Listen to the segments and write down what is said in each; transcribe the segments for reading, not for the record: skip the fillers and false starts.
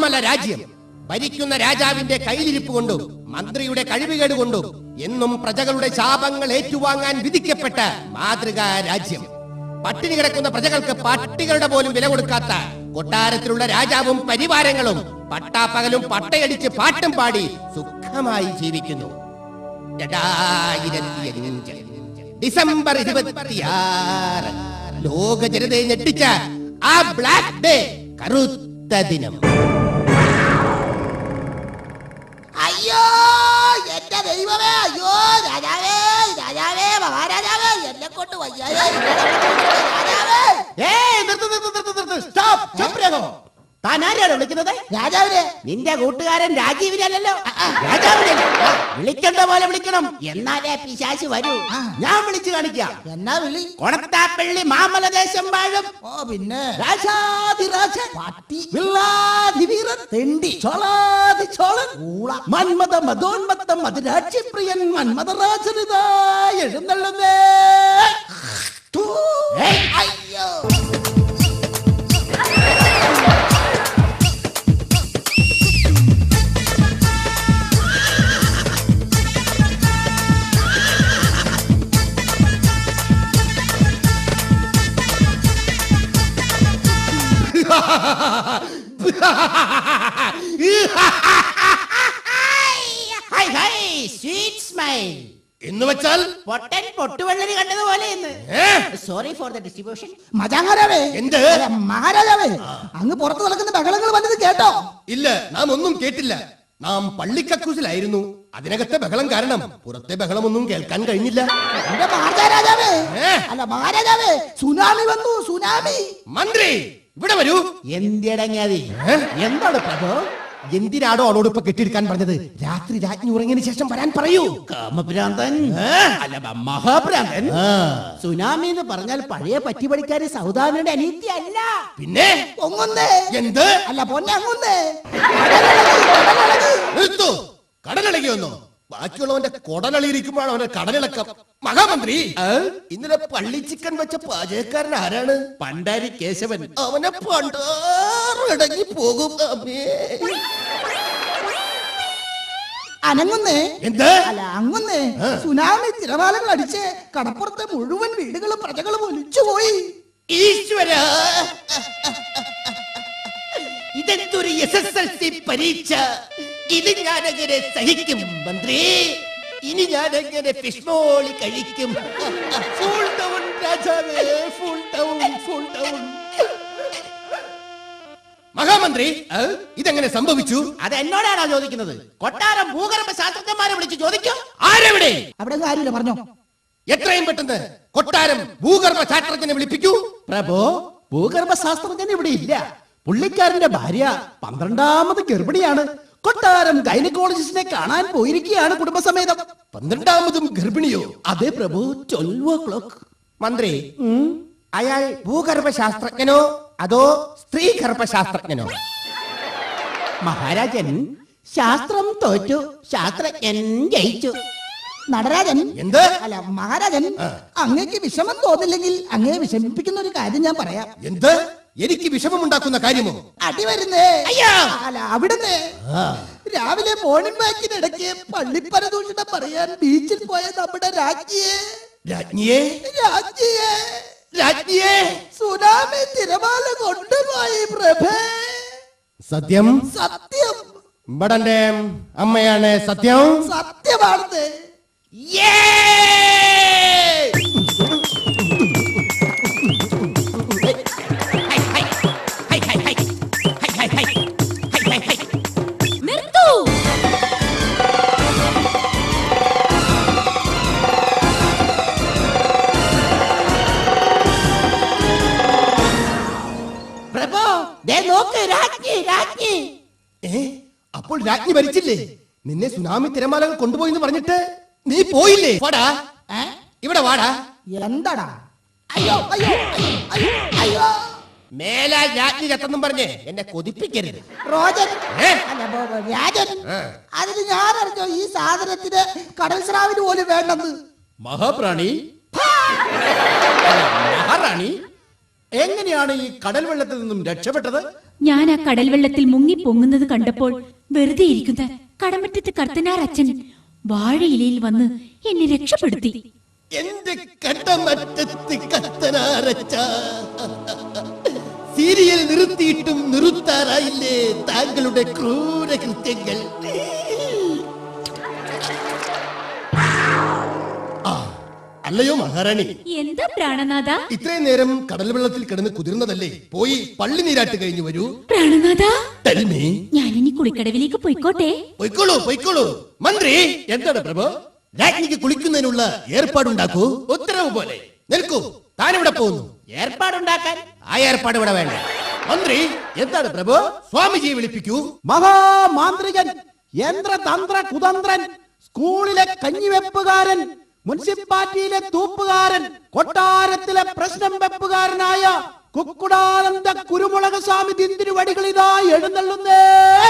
മാമല രാജ്യം ഭരിക്കുന്ന രാജാവിന്റെ കയ്യിലിരിപ്പ് കൊണ്ടും മന്ത്രിയുടെ കഴിവുകേട് കൊണ്ടും എന്നും പ്രജകളുടെ ശാപങ്ങൾ ഏറ്റുവാങ്ങാൻ വിധിക്കപ്പെട്ട മാതൃകാ രാജ്യം. പട്ടിണി കിടക്കുന്ന പ്രജകൾക്ക് പട്ടികളുടെ പോലും വില കൊടുക്കാത്ത കൊട്ടാരത്തിലുള്ള രാജാവും പരിവാരങ്ങളും പട്ടാപ്പകലും പട്ടയടിച്ച് പാട്ടും പാടി സുഖമായി ജീവിക്കുന്നു. 2005 ഡിസംബർ 26 ലോക ജനതയെ ഞെട്ടിച്ച ആ ബ്ലാക്ക് ഡേ, കറുത്ത ദിനം. അയ്യോ എന്റെ ദൈവമേ, അയ്യോ രാജാവേ, രാജാവേ, മഹാരാജാവേ, എന്നെ കൊണ്ട് വയ്യാതെ താൻ ആരെയാണ് വിളിക്കുന്നത്? രാജാവിനെ. നിന്റെ കൂട്ടുകാരൻ രാജീവിനല്ലോ. രാജാവിനെ വിളിക്കേണ്ട പോലെ വിളിക്കണം, എന്നാലേ പിശാച് വരൂ. ഞാൻ വിളിച്ചു കാണിക്കാം. എന്നാ വിളി? കൊണത്താപ്പള്ളി മാമലദേശം വാഴും. ഓ പിന്നെ രാജാതിരാജൻ, പട്ടി, വില്ലാതിവീരൻ, തെണ്ടി, ചോളാതി ചോളൻ, മന്മത മതോന്മത്തം മധുരാജ്യപ്രിയൻ മന്മതരാജനിതാ എഴുന്നള്ളുന്നേ. അയ്യോ എന്ന് വെച്ചാൽ പൊട്ടൻ പൊട്ടുവെള്ളരി കണ്ടതുപോലെ. Sorry for the distribution. മജാഹാരാവേ, എന്ത് മഹാരാജാവേ, അങ്ങ് പുറത്തു നടക്കുന്ന ബഹളങ്ങൾ വന്നത് കേട്ടോ? ഇല്ല, നാം ഒന്നും കേട്ടില്ല. നാം പള്ളിക്കക്കൂസിലായിരുന്നു. അതിനകത്തെ ബഹളം കാരണം പുറത്തെ ബഹളമൊന്നും കേൾക്കാൻ കഴിഞ്ഞില്ല. എന്റെ മഹാരാജാവേ, അല്ല മഹാരാജാവേ, സുനാമി വന്നു, സുനാമി. മന്ത്രി ഇവിടെ വരൂ. എന്തിടങ്ങാതി? എന്താണ് പ്രഭു? എന്തിനാടോ അവളോട് ഇപ്പൊ കെട്ടിയെടുക്കാൻ പറഞ്ഞത്? രാത്രി രാജ്ഞി ഉറങ്ങിയതിനു ശേഷം വരാൻ പറയൂ. കാമഭ്രാന്തൻ, അല്ല മഹാഭ്രാന്തൻ. സുനാമി എന്ന് പറഞ്ഞാൽ പഴയ പറ്റിപ്പടിക്കാരി സൗദാമിയുടെ അനീതി അല്ല, പിന്നെ പൊങ്ങുന്നേ. എന്ത്? അല്ല പൊന്നങ്ങുന്നേ. നിർത്തു. കടലിളകിയൊന്നോ? ബാക്കിയുള്ളവന്റെ കൊടലളിയിരിക്കുമ്പോഴാണ് അവന്റെ കടലിളക്കം. മഹാമന്ത്രി, ഇന്നലെ പള്ളി ചിക്കൻ വെച്ച പാചകക്കാരൻ ആരാണ്? പണ്ടാരി കേശവൻ. അവനെ പണ്ടാറടങ്ങി പോകും. അനങ്ങുന്നേ. എന്ത്? അല്ല അങ്ങുന്നേ. സുനാമി തിരമാലകൾ അടിച്ച് കടപ്പുറത്തെ മുഴുവൻ വീടുകളും പ്രജകളും ഒലിച്ചുപോയി. ഈശ്വര, ഇതെന്തൊരു SSLC പരീക്ഷ! ഇത് ഞാനെങ്ങനെ സഹിക്കും മന്ത്രി? ഇനി ഞാനെങ്ങനെ ഫിഷ് മോളി കഴിക്കും? ഫുൾ ഡൗൺ രാജാവേ, ഫുൾ ഡൗൺ, ഫുൾ ഡൗൺ. മഹാമന്ത്രി, ഇതെങ്ങനെ സംഭവിച്ചു? അത് എന്നോടാണോ ചോദിക്കുന്നത്? കൊട്ടാരം ഭൂഗർഭ ശാസ്ത്രജ്ഞന്മാരെ വിളിച്ച് ചോദിക്കും. ആരെവിടെ? അവിടെ കാര്യമില്ല, പറഞ്ഞോ. എത്രയും പെട്ടെന്ന് കൊട്ടാരം ഭൂഗർഭ ശാസ്ത്രജ്ഞനെ വിളിപ്പിക്കൂ. പ്രഭു, ഭൂഗർഭ ശാസ്ത്രജ്ഞൻ ഇവിടെ ഇല്ല. പുള്ളിക്കാരന്റെ ഭാര്യ 12ാമത് ഗർഭിണിയാണ്. കൊട്ടാരം ഗൈനക്കോളജിസ്റ്റിനെ കാണാൻ പോയിരിക്കുകയാണ് കുടുംബസമേതം. 12ാമതും ഗർഭിണിയോ? അതെ പ്രഭു, 12 o'clock. മന്ത്രി, അയാൾ ഭൂഗർഭ ശാസ്ത്രജ്ഞനോ അതോ സ്ത്രീ ഗർഭശാസ്ത്രജ്ഞനോ? മഹാരാജൻ, ശാസ്ത്രം തോറ്റു, ശാസ്ത്രജ്ഞൻ ജയിച്ചു. നടരാജൻ. എന്ത്? അല്ല മഹാരാജൻ, അങ്ങേക്ക് വിഷമം തോന്നില്ലെങ്കിൽ അങ്ങയെ വിഷമിപ്പിക്കുന്ന ഒരു കാര്യം ഞാൻ പറയാം. എന്ത്? എനിക്ക് വിഷമമുണ്ടാക്കുന്ന കാര്യമോ? അടി വരുന്നേ. അയ്യോ! അല്ല അവിടുന്ന് രാവിലെ മോർണിംഗ് വാക്കിനിടയ്ക്ക് പള്ളിപ്പരദൂഷണം പറയാൻ ബീച്ചിൽ പോയ നമ്മുടെ രാജ്ഞിയെ സുനാമി തിരമാല കൊണ്ടുപോയി പ്രഭേ. സത്യം? സത്യം. ബടന്റെ അമ്മയാണ് സത്യം. സത്യമാണെന്ന്. അപ്പോൾ രാജ്ഞി ഭരിച്ചില്ലേ? നിന്നെ സുനാമി തിരമാലകൾ കൊണ്ടുപോയി എന്ന് പറഞ്ഞിട്ട് നീ പോയില്ലേ? വാടാ, ഇവിടെ വാടാ. എന്താടാ? അയ്യോ അയ്യോ അയ്യോ അയ്യോ. മേലാൽ രാജ്ഞി ചത്തെന്നും പറഞ്ഞ് എന്നെ കൊതിപ്പിക്കരുത്. റോജൻ, രാജൻ, അതിന് ഞാൻ അറിഞ്ഞോ ഈ സാധനത്തിന് കടൽ സ്രാവിന് പോലും വേണ്ടെന്ന്? മഹാപ്രാണി, മഹാറാണി, എങ്ങനെയാണ് ഈ കടൽ വെള്ളത്തിൽ നിന്നും രക്ഷപ്പെട്ടത്? ഞാൻ ആ കടൽ വെള്ളത്തിൽ മുങ്ങി പൊങ്ങുന്നത് കണ്ടപ്പോൾ വെറുതെ ഇരിക്കുന്ന കടമറ്റത്ത് കർത്തനാർ അച്ഛൻ വാഴയിലയിൽ വന്ന് എന്നെ രക്ഷപ്പെടുത്തി. എന്റെ കടമറ്റത്ത് കത്തനാരച്ച, സീരിയൽ നിർത്തിയിട്ടും നിർത്താറായില്ലേ താങ്കളുടെ ക്രൂര കൃത്യങ്ങൾ? അല്ലയോ മഹാറാണി, എന്താ പ്രാണനാഥ? ഇത്രയും നേരം കടൽ വെള്ളത്തിൽ കിടന്ന് കുതിർന്നതല്ലേ, പോയി പള്ളി നീരാട്ട് കഴിഞ്ഞു വരൂ. പ്രാണനാഥ, Tell me. ഞാനിനി കുളിക്കടവിലേക്ക് പോയിക്കോട്ടെ? പൊയ്ക്കോളൂ പൊയ്ക്കോളൂ. മന്ത്രി, എന്താണ് പ്രഭു? രാജ്ഞിക്ക് കുളിക്കുന്നതിനുള്ള ഏർപ്പാടുണ്ടാക്കൂ. ഉത്തരവ് പോലെ. നിൽക്കൂ, താനിവിടെ പോകുന്നു. ഏർപ്പാടുണ്ടാക്കാൻ ആ ഏർപ്പാട് ഇവിടെ വേണ്ട. മന്ത്രി, എന്താണ് പ്രഭു? സ്വാമിജിയെ വിളിപ്പിക്കൂ. മഹാമാന്ത്രികൻ, യന്ത്രതന്ത്ര കുതന്ത്രൻ, സ്കൂളിലെ കഞ്ഞിവെപ്പുകാരൻ, മുനിസിപ്പാലിറ്റിയിലെ തൂപ്പുകാരൻ, കൊട്ടാരത്തിലെ പ്രശ്നം വെപ്പുകാരനായ കുക്കുടാനന്ദ കുരുമുളക് സ്വാമി തിരുവടികളിതാ എഴുന്നള്ളുന്നേ.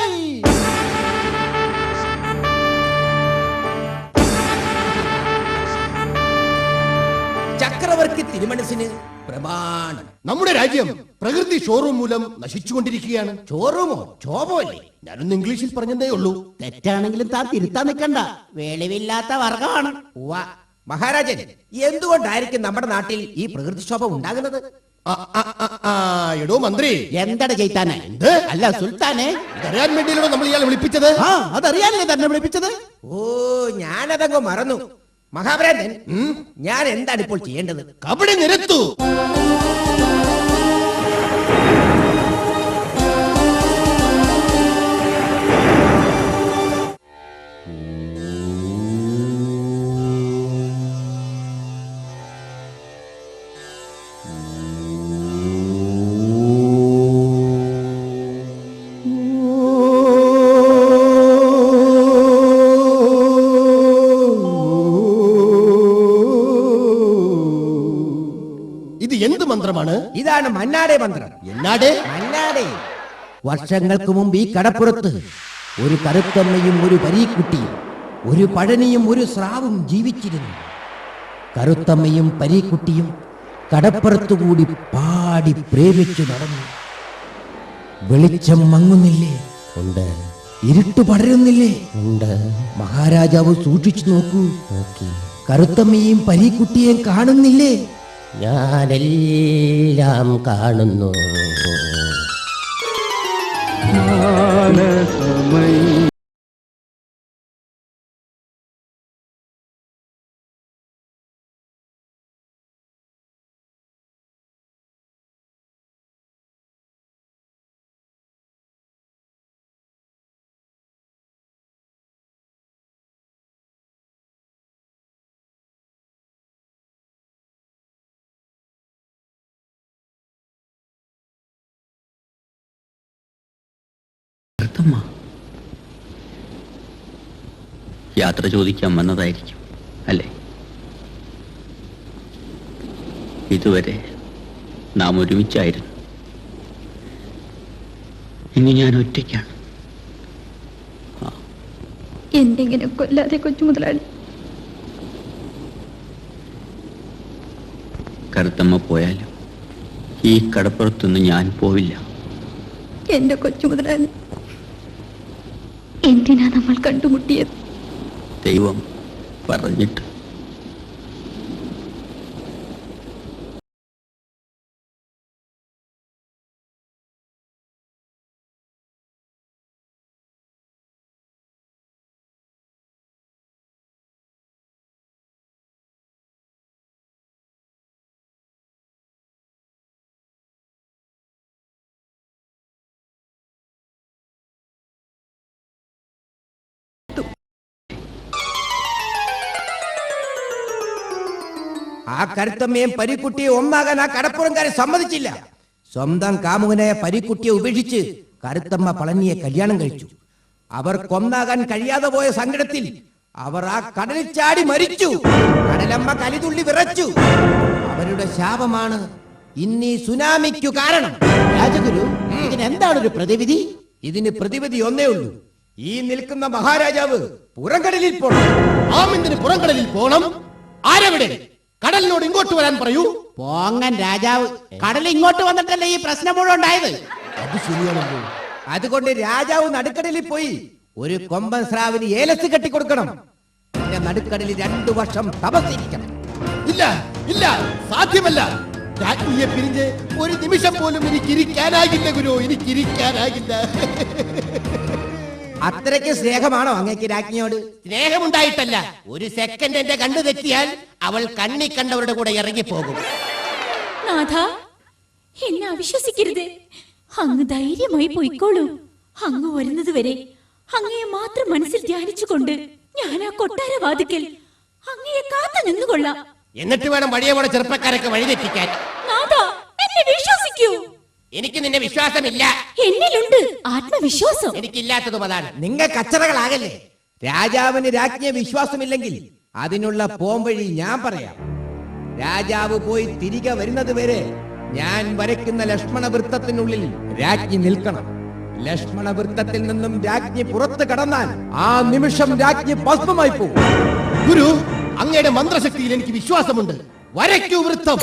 ചക്രവർത്തി തിരുമനസിന് പ്രമാണം. നമ്മുടെ രാജ്യം പ്രകൃതി ഷോറൂം മൂലം നശിച്ചുകൊണ്ടിരിക്കുകയാണ്. ചോറുമോ ചോമോ അല്ലേ? ഞാനൊന്ന് ഇംഗ്ലീഷിൽ പറഞ്ഞതേ ഉള്ളൂ. തെറ്റാണെങ്കിലും താൻ തിരുത്താൻ നിൽക്കണ്ട, വെളിവില്ലാത്ത വർഗമാണ്. മഹാരാജൻ, എന്തുകൊണ്ടായിരിക്കും നമ്മുടെ നാട്ടിൽ ഈ പ്രകൃതിക്ഷോഭം ഉണ്ടാകുന്നത്? എടോ മന്ത്രി, എന്താണ് ചെയ്താനെ? അല്ല സുൽത്താനെ, ഇതറിയാൻ വേണ്ടിയല്ലോ നമ്മൾ ഇയാളെ വിളിപ്പിച്ചത്. അതറിയാനല്ലേ തന്നെ വിളിപ്പിച്ചത്? ഓ, ഞാനതങ്ങ് മറന്നു. മഹാഭ്രാന്തൻ, ഞാൻ എന്താണ് ഇപ്പോൾ ചെയ്യേണ്ടത്? കബഡി നിരത്തു. ഇത് എന്ത് മന്ത്രമാണ്? ഇതാണ് മന്നാടെ മന്ത്രം. എന്നാടേ? മന്നാടെ. വർഷങ്ങൾക്ക് മുമ്പ് ഈ കടപ്പുറത്ത് ഒരു കറുത്തമ്മയും ഒരു പരീക്കുട്ടിയും ഒരു പഴനിയും ഒരു സ്രാവും ജീവിച്ചിരുന്നു. കറുത്തമ്മയും പരീക്കുട്ടിയും കടപ്പുറത്തുകൂടി പാടി പ്രേമിച്ചു നടന്നു. വെളിച്ചം മങ്ങുന്നില്ലേ? ഉണ്ട്. ഇരുട്ട് പടരുന്നില്ലേ? ഉണ്ട്. മഹാരാജാവ് സൂക്ഷിച്ചു നോക്കൂ. കറുത്തമ്മയും പരീക്കുട്ടിയെയും കാണുന്നില്ലേ? ഞാനെല്ലാം കാണുന്നു. യാത്ര ചോദിക്കാൻ വന്നതായിരിക്കും അല്ലേ? ഇതുവരെ നാം ഒരുമിച്ചായിരുന്നു. ഇനി ഞാൻ ഒറ്റയ്ക്കാണ്. എന്തെങ്കിലും കൊല്ലാതെ കൊച്ചു മുതലാളി. കറുത്തമ്മ പോയാലും ഈ കടപ്പുറത്തൊന്നും ഞാൻ പോവില്ല. എന്റെ കൊച്ചു മുതലാളി, എന്തിനാ നമ്മൾ കണ്ടുമുട്ടിയത്? ദൈവം പറഞ്ഞിട്ട്. ആ കരുത്തമ്മയും പരീക്കുട്ടിയെ ഒന്നാകാൻ ആ കടപ്പുറംകാരെ സമ്മതിച്ചില്ല. സ്വന്തം കാമുകനായ പരീക്കുട്ടിയെ ഉപേക്ഷിച്ച് കരുത്തമ്മ പളനിയെ കല്യാണം കഴിച്ചു. അവർ കൊന്നാകാൻ കഴിയാതെ പോയ സങ്കടത്തിൽ അവർ ആ കടലിൽ ചാടി മരിച്ചു. കടലമ്മ കലിതുള്ളി വിറച്ചു. അവരുടെ ശാപമാണ് ഇന്നീ സുനാമിക്കു കാരണം. രാജഗുരു, ഇതിന് എന്താണ് ഒരു പ്രതിവിധി? ഇതിന് പ്രതിവിധി ഒന്നേ ഉള്ളൂ. ഈ നിൽക്കുന്ന മഹാരാജാവ് പുറംകടലിൽ പോണം. ആമിന്തിന് പുറംകടലിൽ പോണം. ആരെവിടെ? കടലിനോട് ഇങ്ങോട്ട് വരാൻ പറയൂ. പോങ്ങൻ രാജാവ് കടൽ ഇങ്ങോട്ട് വന്നിട്ടല്ലേ ഈ പ്രശ്നം മുഴുവൻ ഉണ്ടായത്. അത് ശരിയാണല്ലോ. അതുകൊണ്ട് രാജാവ് നടുക്കടലിൽ പോയി ഒരു കൊമ്പൻ സ്രാവിന് ഏലസ് കെട്ടിക്കൊടുക്കണം. പിന്നെ നടുക്കടലിൽ 2 വർഷം തപസ്സിരിക്കണം. ഇല്ല ഇല്ല, സാധ്യമല്ല. രാജ്ഞിയെ പിരിഞ്ഞ് ഒരു നിമിഷം പോലും എനിക്കിരിക്കാനാകില്ല ഗുരു, എനിക്കിരിക്കാനാകില്ല. അത്രയ്ക്ക് സ്നേഹമാണോ അങ്ങേക്ക് രാജ്ഞിയോട്? സ്നേഹമുണ്ടായിട്ടല്ല, ഒരു സെക്കൻഡ് എന്റെ കണ്ണു തെറ്റിയാൽ അവൾ കണ്ണി കണ്ടവരുടെ കൂടെ ഇറങ്ങിപ്പോകും. നാഥ, എന്നെ അവിശ്വസിക്കരുത്. അങ്ങ് ധൈര്യമായി പോയിക്കോളൂ. അങ്ങ് വരുന്നത് വരെ അങ്ങയെ മാത്രം മനസ്സിൽ ധ്യാനിച്ചുകൊണ്ട് ഞാൻ ആ കൊട്ടാരവാതിക്കൽ അങ്ങയെ കാത്തു നിന്നുകൊള്ളാം. എന്നിട്ട് വേണം വഴിയെ പോണ ചെറുപ്പക്കാരൊക്കെ വഴിതെറ്റിക്കാൻ. നാഥ, എന്നെ വിശ്വസിക്കൂ. എനിക്ക് നിന്നെ വിശ്വാസമില്ല. എന്നിലുണ്ട് ആത്മവിശ്വാസം. എനിക്കില്ലാത്തതും അതാണ്. നിങ്ങൾ കച്ചറകളാകല്ലേ. രാജാവിന് രാജ്ഞിയെ വിശ്വാസമില്ലെങ്കിൽ അതിനുള്ള പോംവഴി ഞാൻ പറയാം. രാജാവ് പോയി തിരികെ വരുന്നത് വരെ ഞാൻ വരയ്ക്കുന്ന ലക്ഷ്മണ വൃത്തത്തിനുള്ളിൽ രാജ്ഞി നിൽക്കണം. ലക്ഷ്മണ വൃത്തത്തിൽ നിന്നും രാജ്ഞി പുറത്തു കടന്നാൽ ആ നിമിഷം രാജ്ഞി ഭസ്മമായി പോകും. ഗുരു, അങ്ങയുടെ മന്ത്രശക്തിയിൽ എനിക്ക് വിശ്വാസമുണ്ട്. വരയ്ക്കൂ വൃത്തം.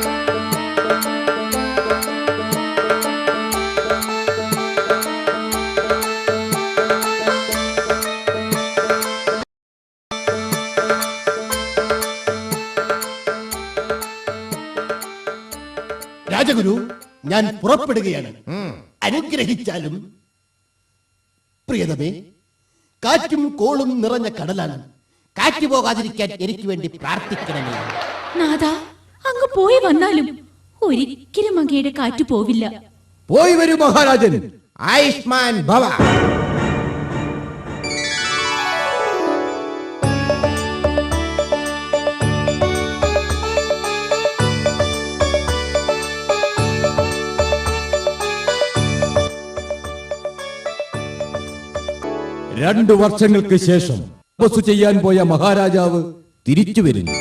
രാജഗുരു, ഞാൻ പുറപ്പെടുകയാണ്. അനുഗ്രഹിച്ചാലും. പ്രിയതമേ, കാറ്റും കോളും നിറഞ്ഞ കടലാണ്. കാറ്റ് പോകാതിരിക്കാൻ എനിക്ക് വേണ്ടി പ്രാർത്ഥിക്കണമേ. നാഥ, അങ്ങ് പോയി വന്നാലും ഒരിക്കലും അങ്ങയുടെ കാറ്റു പോവില്ല. പോയി വരൂ മഹാരാജൻ. ആയുഷ്മാൻ ഭവ. രണ്ടു വർഷങ്ങൾക്ക് ശേഷം തപസ്സു ചെയ്യാൻ പോയ മഹാരാജാവ് തിരിച്ചു വരുന്നു.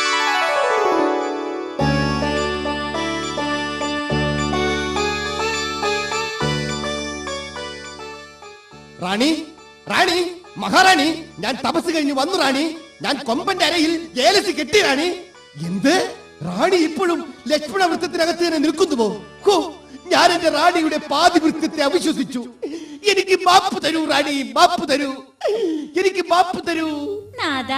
റാണി, റാണി, മഹാറാണി, ഞാൻ തപസ് കഴിഞ്ഞ് വന്നു റാണി. ഞാൻ കൊമ്പന്റെ അരയിൽ ഏലസ് കെട്ടി റാണി. എന്ത്? റാണി ഇപ്പോഴും ലക്ഷ്മണ വൃത്തത്തിനകത്ത് തന്നെ നിൽക്കുന്നുവോ? ഹോ, ഞാൻ എന്റെ റാണിയുടെ പാതി വൃത്തത്തെ അവിശ്വസിച്ചു. എനിക്ക് മാപ്പ് തരൂ റാണി, മാപ്പ് തരൂ, എനിക്ക് മാപ്പ് തരൂ. നാഥ,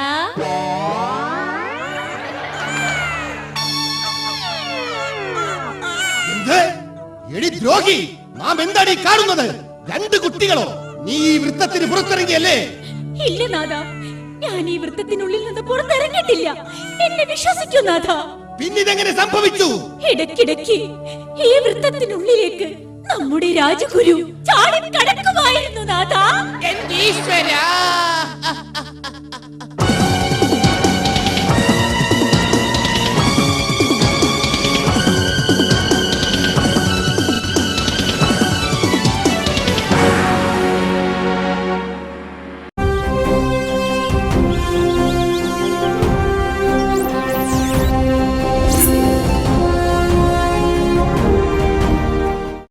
എന്ത്? എടി ദ്രോഹി, നാം എന്താണ് ഈ കാണുന്നത്? 2 കുട്ടികളോ? നീ ഈ വൃത്തത്തിന് പുറത്തിറങ്ങിയല്ലേ? ഇല്ല നാഥ, ഞാൻ ഈ വൃത്തത്തിനുള്ളിൽ നിന്ന് പുറത്തിറങ്ങിയിട്ടില്ല. എന്നെ വിശ്വസിക്കൂ നാഥ. പിന്നിതെങ്ങനെ സംഭവിച്ചു? ഇടയ്ക്കിടയ്ക്ക് ഈ വൃത്തത്തിനുള്ളിലേക്ക് നമ്മുടെ രാജഗുരു ചാടി കടക്കുമായിരുന്നു നാഥ. എന്റെ ഈശ്വരാ!